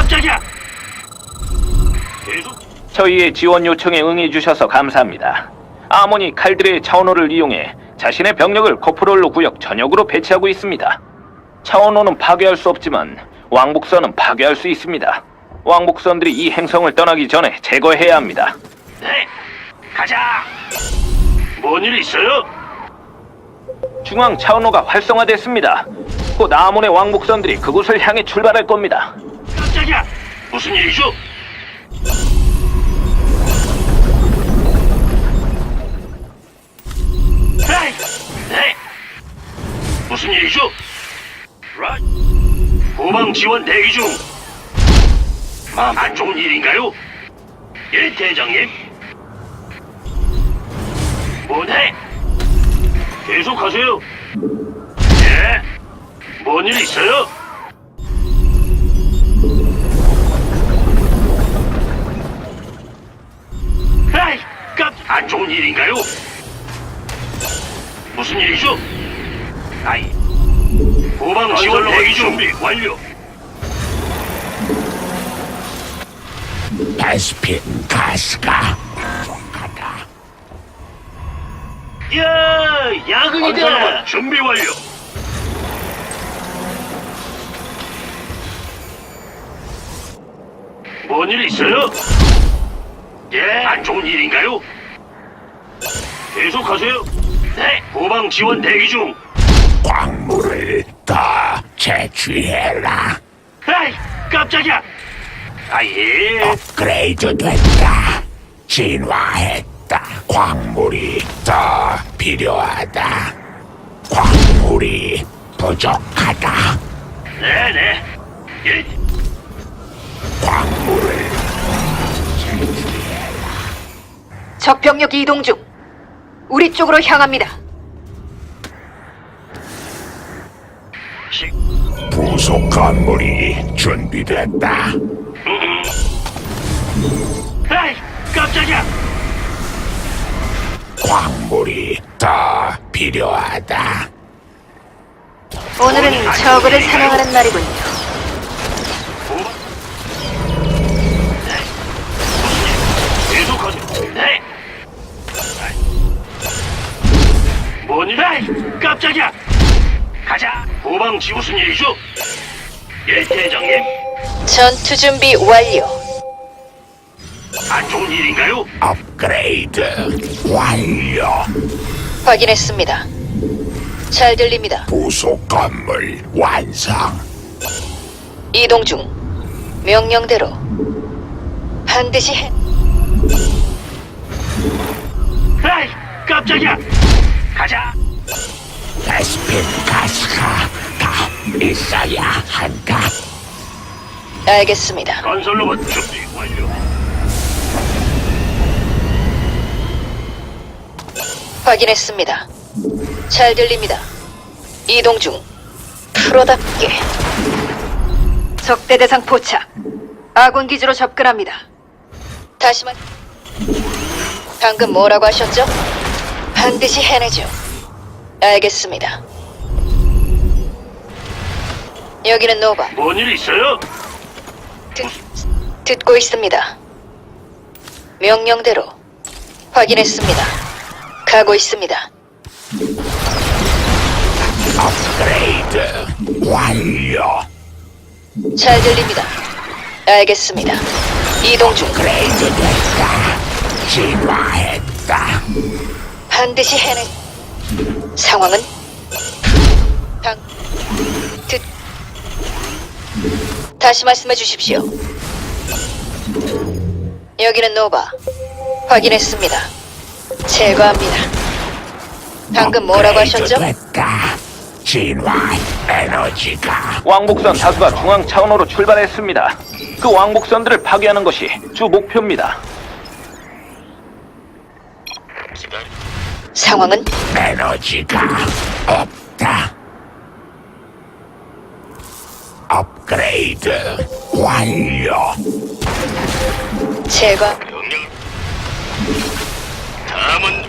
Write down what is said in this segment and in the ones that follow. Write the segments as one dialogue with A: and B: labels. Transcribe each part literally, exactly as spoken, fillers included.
A: 깜짝이야. 계속.
B: 저희의 지원 요청에 응해주셔서 감사합니다. 아모니 칼들의 차원호를 이용해 자신의 병력을 코프롤로 구역 전역으로 배치하고 있습니다. 차원호는 파괴할 수 없지만 왕복선은 파괴할 수 있습니다. 왕복선들이 이 행성을 떠나기 전에 제거해야 합니다.
A: 네, 가자. 뭔 일 있어요?
B: 중앙 차원호가 활성화됐습니다. 곧 아몬의 왕복선들이 그곳을 향해 출발할 겁니다.
A: 깜짝이야. 무슨 일이죠? 에이, 네. 무슨 일이죠? 라. 후방 지원 대기 중. 아, 안 좋은 일인가요? 예, 대장님. 뭐네? 계속하세요. 예. 뭔 일 있어요? 에이, 깜, 안 좋은 일인가요? 무슨 일이죠? 아이, 후방 지원 대기 준비 완료.
C: 베스핀 가스가 부족하다.
A: 야, 야근이다. 준비 완료. 뭔 일 있어요? 예, 안 좋은 일인가요? 계속하세요. 네, 후방 지원 대기 중.
C: 광물을 더 채취해라.
A: 에이, 깜짝이야. 아, 예.
C: 업그레이드 됐다. 진화했다. 광물이 더 필요하다. 광물이 부족하다.
A: 네네. 예.
C: 광물을
D: 적병력 이동 중. 우리 쪽으로 향합니다.
A: 시,
C: 부속 건물이 준비됐다.
A: 에이, 깜짝이야.
C: 광물이 더 필요하다.
D: 오늘은 저그를 사냥하는 날이군요.
A: 후방. 네. 계속하세요. 네. 뭔 일? 에이, 깜짝이야. 가자. 후방 지 무슨 일이죠? 예, 대장님.
D: 전투 준비 완료.
A: 안 좋은 일인가요?
C: 업그레이드 완료.
D: 확인했습니다. 잘 들립니다.
C: 부속 건물 완성.
D: 이동 중. 명령대로. 반드시 해.
A: 에이, 깜짝이야. 가자.
C: 베스핀 가스가 더 있어야 한다.
D: 알겠습니다.
A: 건설로봇 준비 완료.
D: 확인했습니다. 잘 들립니다. 이동 중. 프로답게. 적대 대상 포착. 아군 기지로 접근합니다. 다시 말. 방금 뭐라고 하셨죠? 반드시 해내죠. 알겠습니다. 여기는 노바.
A: 뭔 일 있어요?
D: 듣, 듣고 있습니다. 명령대로. 확인했습니다. 가고 있습니다.
C: 업그레이드 완료.
D: 잘 들립니다. 알겠습니다. 이동 중.
C: 업그레이드 됐다. 진화했다.
D: 반드시 해내. 상황은? 방. 듣. 다시 말씀해 주십시오. 여기는 노바. 확인했습니다. 제거합니다. 방금 뭐라고 하셨죠?
C: 업그레이드 됐다. 진화 에너지가
B: 왕복선 다수가 중앙 차원호로 출발했습니다. 그 왕복선들을 파괴하는 것이 주 목표입니다.
D: 상황은?
C: 에너지가 없다. 업그레이드 완료.
D: 제거.
A: 명령. 다음은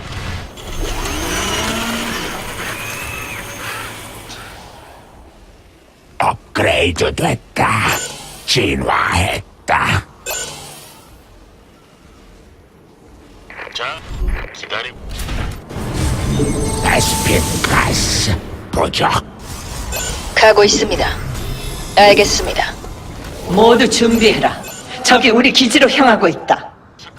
C: 업그레이드 됐다. 진화했다.
A: 자, 기다리.
C: 베스핀 가스 부족.
D: 가고 있습니다. 알겠습니다.
E: 모두 준비해라. 적이 우리 기지로 향하고 있다.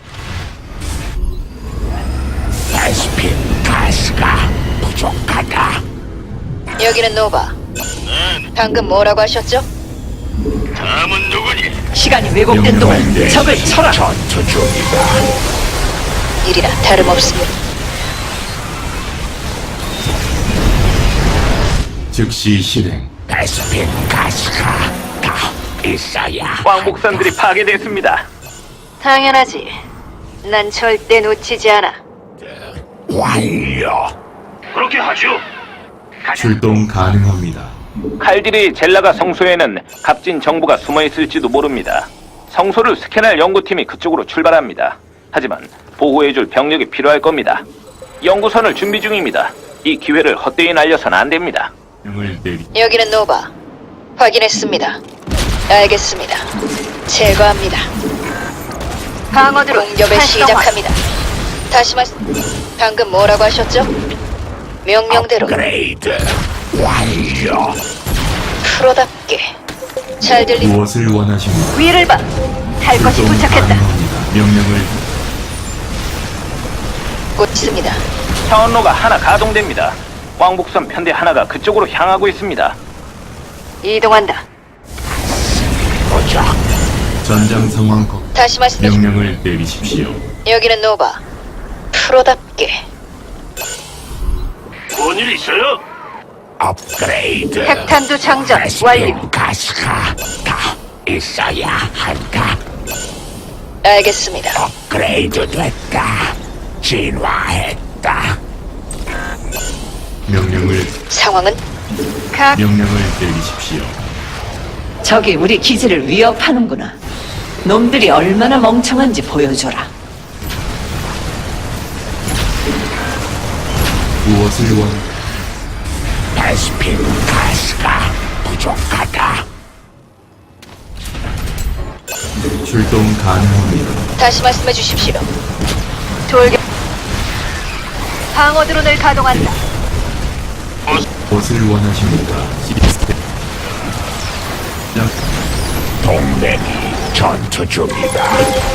C: 베스핀 가스가 부족하다.
D: 여기는 노바. 방금 뭐라고 하셨죠?
A: 다음은 누구니?
E: 시간이 왜곡된 동안 적을 쳐라.
C: 전투 중이다.
D: 일이나 다름없습니다.
F: 즉시 실행.
C: 베스핀 가스가 더 있어야.
B: 왕복선들이 파괴됐습니다.
D: 당연하지. 난 절대 놓치지 않아.
C: 완료.
A: 그렇게 하죠.
F: 출동 가능합니다.
B: 칼디르의 젤라가 성소에는 값진 정보가 숨어 있을지도 모릅니다. 성소를 스캔할 연구팀이 그쪽으로 출발합니다. 하지만 보호해줄 병력이 필요할 겁니다. 연구선을 준비 중입니다. 이 기회를 헛되이 날려선 안 됩니다.
F: 명을 내리.
D: 여기는 노바. 확인했습니다. 알겠습니다. 제거합니다. 방어드로 공격을 시작합니다. 다시 말씀. 방금 뭐라고 하셨죠? 명령대로
C: 업그레이드 완료.
D: 프로답게 잘 들립니다.
F: 무엇을 원하십니까?
D: 위를 봐. 할 것이
F: 출동
D: 도착했다.
F: 가능합니다. 명령을
D: 곧 있습니다.
B: 차원로가 하나 가동됩니다. 왕복선 편대 하나가 그쪽으로 향하고 있습니다.
D: 이동한다.
C: 부족.
F: 전장 상황 거.
D: 다시 말씀해 주.
F: 명령을 내리십시오.
D: 여기는 노바. 프로답게
A: 뭔일 있어요?
C: 업그레이드.
D: 핵탄두 장전 완료.
C: 베스핀 가스가 더 있어야 한다.
D: 알겠습니다.
C: 업그레이드 됐다. 진화했다.
F: 명령을
D: 상황은 각
F: 명령을 내리십시오.
E: 적이 우리 기지를 위협하는구나. 놈들이 얼마나 멍청한지 보여줘라.
F: 무엇을 원?
C: 베스핀 가스가 부족하다.
F: 출동 가능합니다.
D: 다시 말씀해 주십시오. 돌격 방어 드론을 가동한다.
F: 무엇을 원하십니까? 시스템. 장-
C: 동맹이 전투 중이다.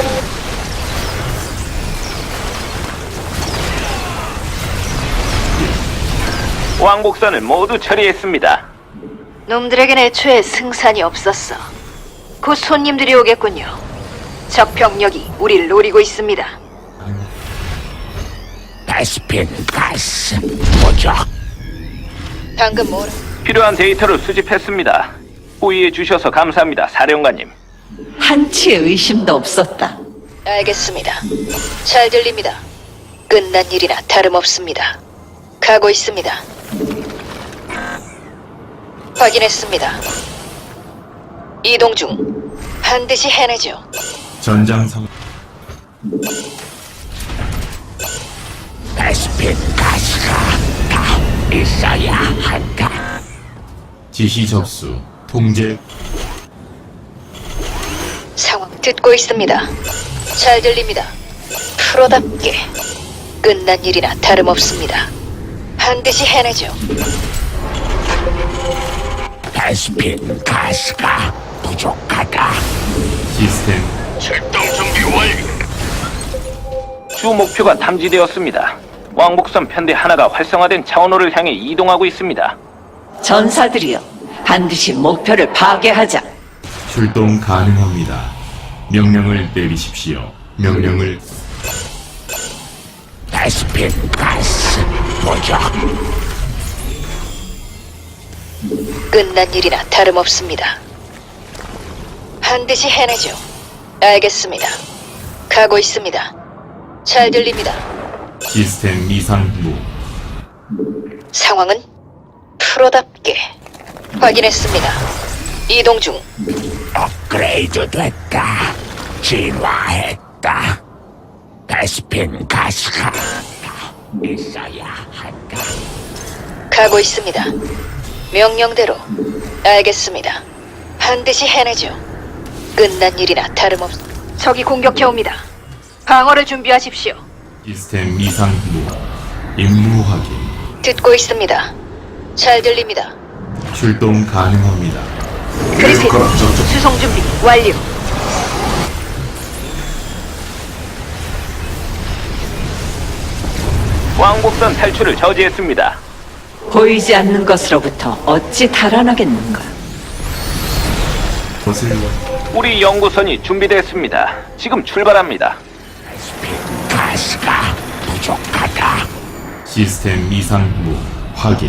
B: 왕복선을 모두 처리했습니다.
D: 놈들에겐 애초에 승산이 없었어. 곧 손님들이 오겠군요. 적 병력이 우리를 노리고 있습니다.
C: 베스핀 가스 부족.
D: 방금 뭐라?
B: 필요한 데이터를 수집했습니다. 호의해 주셔서 감사합니다, 사령관님.
E: 한치의 의심도 없었다.
D: 알겠습니다. 잘 들립니다. 끝난 일이나 다름없습니다. 가고 있습니다. 확인했습니다. 이동 중. 반드시 해내죠.
F: 전장 상황.
C: 베스핀 가스가 더 있어야 한다.
F: 지시 접수. 통제.
D: 상황 듣고 있습니다. 잘 들립니다. 프로답게 끝난 일이나 다름없습니다. 반드시 해내죠.
C: 베스핀 가스가 부족하다.
F: 시스템.
A: 출동 준비 완료.
B: 주 목표가 탐지되었습니다. 왕복선 편대 하나가 활성화된 차원호를 향해 이동하고 있습니다.
E: 전사들이여, 반드시 목표를 파괴하자.
F: 출동 가능합니다. 명령을 내리십시오. 명령을
C: 베스핀 가스 부족.
D: 끝난 일이나 다름없습니다. 반드시 해내죠. 알겠습니다. 가고 있습니다. 잘 들립니다.
F: 시스템 이상 무.
D: 상황은 프로답게 확인했습니다. 이동 중.
C: 업그레이드 됐다. 진화했다. 베스핀 가스가 더 있어야 한다.
D: 가고 있습니다. 명령대로. 알겠습니다. 반드시 해내죠. 끝난 일이나 다름없. 적이 공격해옵니다. 방어를 준비하십시오.
F: 시스템 이상 무 임무 확인.
D: 듣고 있습니다. 잘 들립니다.
F: 출동 가능합니다.
D: 그리핀 수송 준비 완료.
B: 왕복선 탈출을 저지했습니다.
E: 보이지 않는 것으로부터 어찌 달아나겠는가?
F: 것을
B: 우리 연구선이 준비됐습니다. 지금 출발합니다.
C: 베스핀 가스가 부족하다.
F: 시스템 이상 무 확인.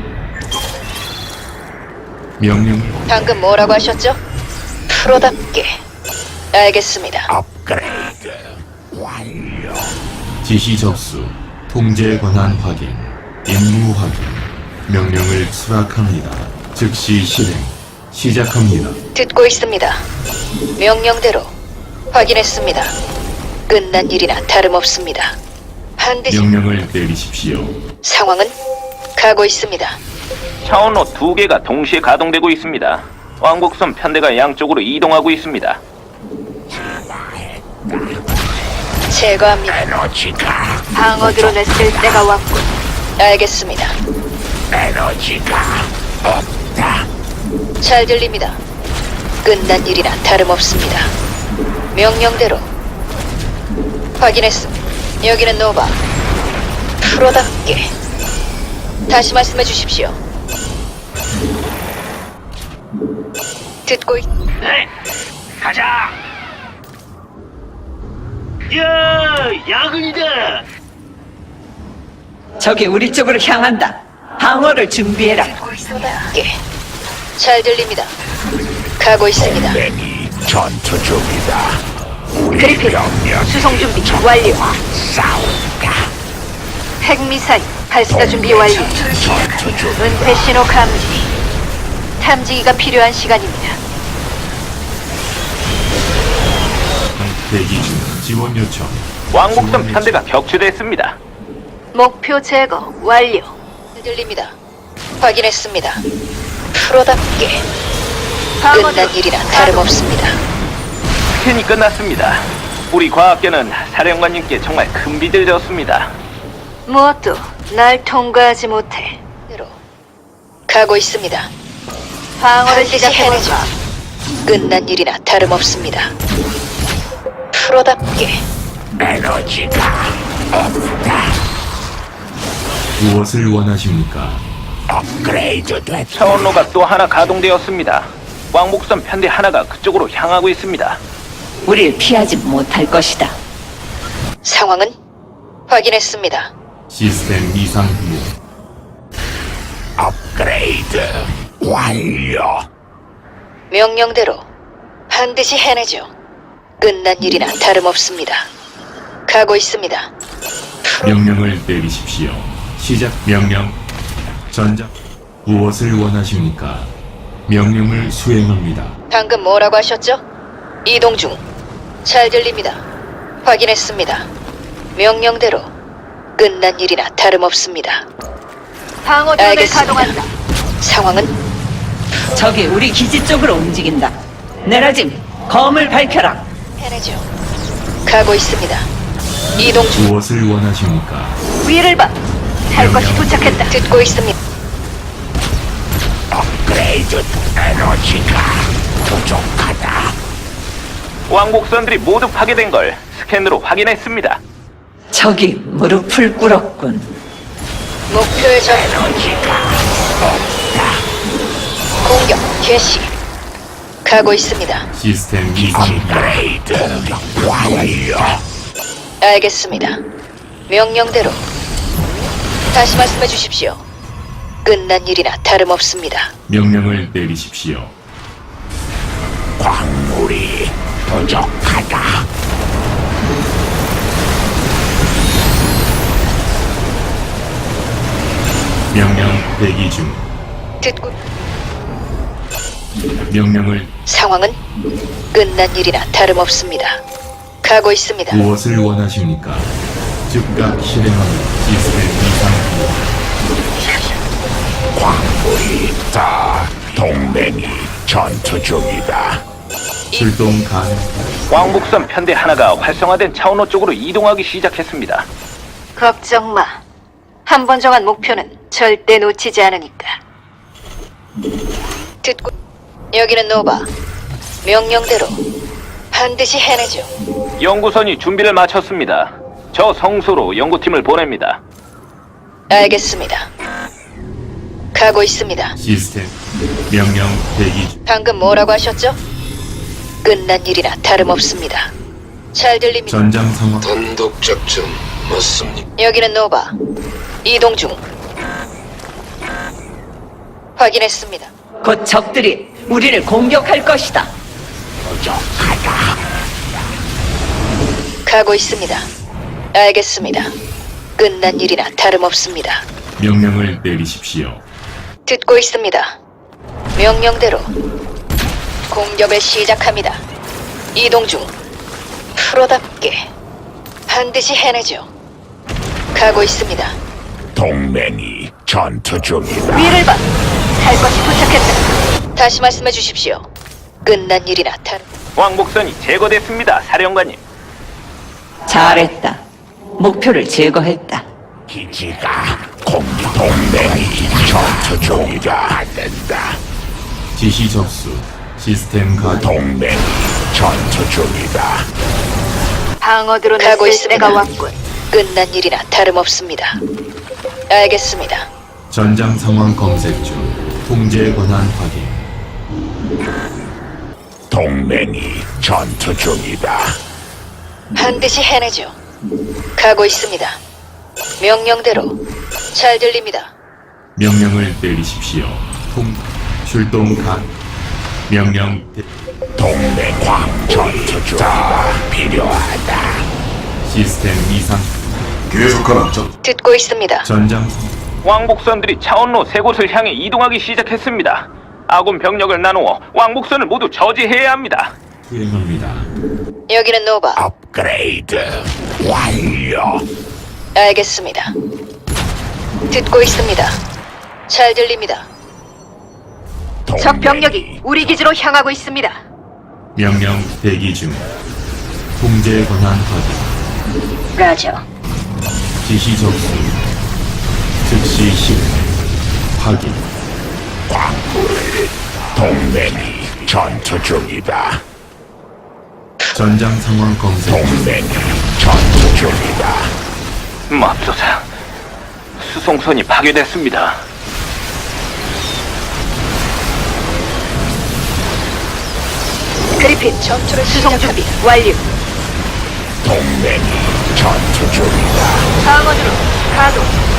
F: 명령
D: 방금 뭐라고 하셨죠? 프로답게. 알겠습니다.
C: 업그레이드 완료.
F: 지시 접수. 통제 권한 확인. 임무 확인. 명령을 수락합니다. 즉시 실행. 시작합니다.
D: 듣고 있습니다. 명령대로 확인했습니다. 끝난 일이나 다름없습니다. 반드시
F: 명령을 내리십시오.
D: 상황은 가고 있습니다.
B: 차원로 두 개가 동시에 가동되고 있습니다. 왕복선 편대가 양쪽으로 이동하고 있습니다.
D: 제거합니다.
C: 에너지가
D: 방어 드론을 쓸 때가 왔군. 알겠습니다.
C: 에너지가 없다.
D: 잘 들립니다. 끝난 일이나 다름없습니다. 명령대로 확인했습니다. 여기는 노바. 프로답게. 다시 말씀해 주십시오. 듣고 있...
A: 네, 가자. 야, 야근이다.
E: 적이 우리 쪽으로 향한다. 방어를 준비해라.
D: 프로답게. 잘 들립니다. 가고 있습니다.
C: 동맹이 전투 중이다. 우리
D: 그리핀
C: 병력
D: 수송 준비 완료.
C: 싸운다.
D: 핵미사일 발사 준비 완료.
C: 전투 중.
D: 은폐 신호 감지. 탐지기가 필요한 시간입니다.
F: 대기 중. 지원 요청.
B: 왕복선 편대가 격추됐습니다.
D: 목표 제거 완료. 들립니다. 확인했습니다. 프로답게. 끝난 일이라 다름없습니다.
B: 스캔이 끝났습니다. 우리 과학계는 사령관님께 정말 큰 빚을 졌습니다.
D: 무엇도 날 통과하지 못해. 대로 가고 있습니다. 방어를 시작해내죠. 끝난 일이나 다름없습니다. 프로답게.
C: 에너지가 없다.
F: 무엇을 원하십니까?
C: 업그레이드 됐다.
B: 차원로가 또 하나 가동되었습니다. 왕복선 편대 하나가 그쪽으로 향하고 있습니다.
E: 우릴 피하지 못할 것이다.
D: 상황은 확인했습니다.
F: 시스템 이상 무
C: 업그레이드 완료.
D: 명령대로 반드시 해내죠. 끝난 일이나 다름없습니다. 가고 있습니다.
F: 명령을 내리십시오. 시작 명령. 전작. 무엇을 원하십니까? 명령을 수행합니다.
D: 방금 뭐라고 하셨죠? 이동 중. 잘 들립니다. 확인했습니다. 명령대로 끝난 일이나 다름없습니다. 방어 드론을 가동한다. 상황은
E: 적이 우리 기지 쪽으로 움직인다. 내라짐, 검을 밝혀라.
D: 해내죠. 가고 있습니다. 이동 중.
F: 무엇을 원하십니까?
D: 위를 봐. 할 것이 도착했다. 듣고 있습니다.
C: 업그레이드 에너지가 부족하다.
B: 왕복선들이 모두 파괴된 걸 스캔으로 확인했습니다.
E: 적이 무릎을 꿇었군.
D: 목표의 적
C: 에너지가
D: 공격 개시. 가고 있습니다.
F: 시스템 이상
C: 업그레이드 완료.
D: 알겠습니다. 명령대로 다시 말씀해 주십시오. 끝난 일이나 다름없습니다.
F: 명령을 내리십시오.
C: 광물이 부족하다.
F: 명령 대기 중.
D: 듣고
F: 명령을
D: 상황은 끝난 일이나 다름없습니다. 가고 있습니다.
F: 무엇을 원하십니까? 즉각 실행합니다. 시스템 이상
C: 광물이 있다. 동맹이 전투 중이다.
F: 출동 가능.
B: 왕복선 편대 하나가 활성화된 차원호 쪽으로 이동하기 시작했습니다.
D: 걱정 마. 한 번 정한 목표는 절대 놓치지 않으니까. 듣고 여기는 노바. 명령대로 반드시 해내죠.
B: 연구선이 준비를 마쳤습니다. 저 성소로 연구팀을 보냅니다.
D: 알겠습니다. 가고 있습니다.
F: 시스템 명령 대기 중.
D: 방금 뭐라고 하셨죠? 끝난 일이나 다름없습니다. 잘 들립니다.
F: 전장 상황.
G: 단독 작전 맞습니까?
D: 여기는 노바. 이동 중. 확인했습니다.
E: 곧 적들이 우리를 공격할 것이다.
C: 부족하다.
D: 가고 있습니다. 알겠습니다. 끝난 일이나 다름없습니다.
F: 명령을 내리십시오.
D: 듣고 있습니다. 명령대로 공격을 시작합니다. 이동 중. 프로답게 반드시 해내죠. 가고 있습니다.
C: 동맹이 전투 중이다.
D: 위를 봐. 할 것이 도착했다. 다시 말씀해 주십시오. 끝난 일이나 다름.
B: 왕복선이 제거됐습니다, 사령관님.
E: 잘했다. 목표를 제거했다.
C: 기지가 공격. 동맹이 전투 중이다. 안 된다.
F: 지시 접수. 시스템 가동.
C: 동맹이 전투 중이다.
D: 방어드로 가고 있습니다. 때가 왔군. 끝난 일이나 다름없습니다. 알겠습니다.
F: 전장 상황 검색 중. 통제 권한 확인.
C: 동맹이 전투 중이다.
D: 반드시 해내죠. 가고 있습니다. 명령대로 잘 들립니다.
F: 명령을 내리십시오. 통 출동 가. 명령 대...
C: 동맹 전투 중이다. 필요하다.
F: 시스템 이상.
G: 계속하라. 작
D: 듣고 있습니다.
F: 전장 상황.
B: 왕복선들이 차원로 세 곳을 향해 이동하기 시작했습니다. 아군 병력을 나누어 왕복선을 모두 저지해야 합니다.
F: 수행합니다.
D: 여기는 노바.
C: 업그레이드 완료.
D: 알겠습니다. 듣고 있습니다. 잘 들립니다. 적 병력이 우리 기지로 향하고 있습니다.
F: 명령 대기 중. 통제 권한 확인.
D: 라저.
F: 지시 접수. 즉시 실 확인.
C: 광물. 동맹이 전투 중이다.
F: 전장 상황 검색 중.
C: 동맹이 전투 중이다.
B: 맙소사, 수송선이 파괴됐습니다.
D: 그리핀 전투를 수송 준비 완료.
C: 동맹이 전투 중이다.
D: 방어드로 가동.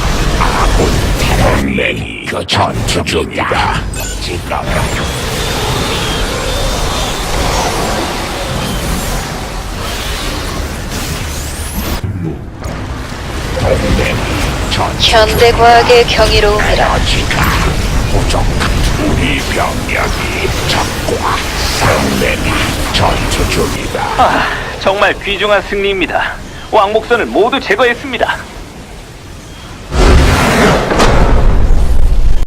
C: 동맹이 전투 중이다. 지금
F: 무.
C: 동맹이 전투
D: 현대 과학의 경이로움이라.
C: 에너지가 부족한 우리 병력이 적과 동맹이 전투 중이다.
B: 아, 정말 귀중한 승리입니다. 왕복선을 모두 제거했습니다.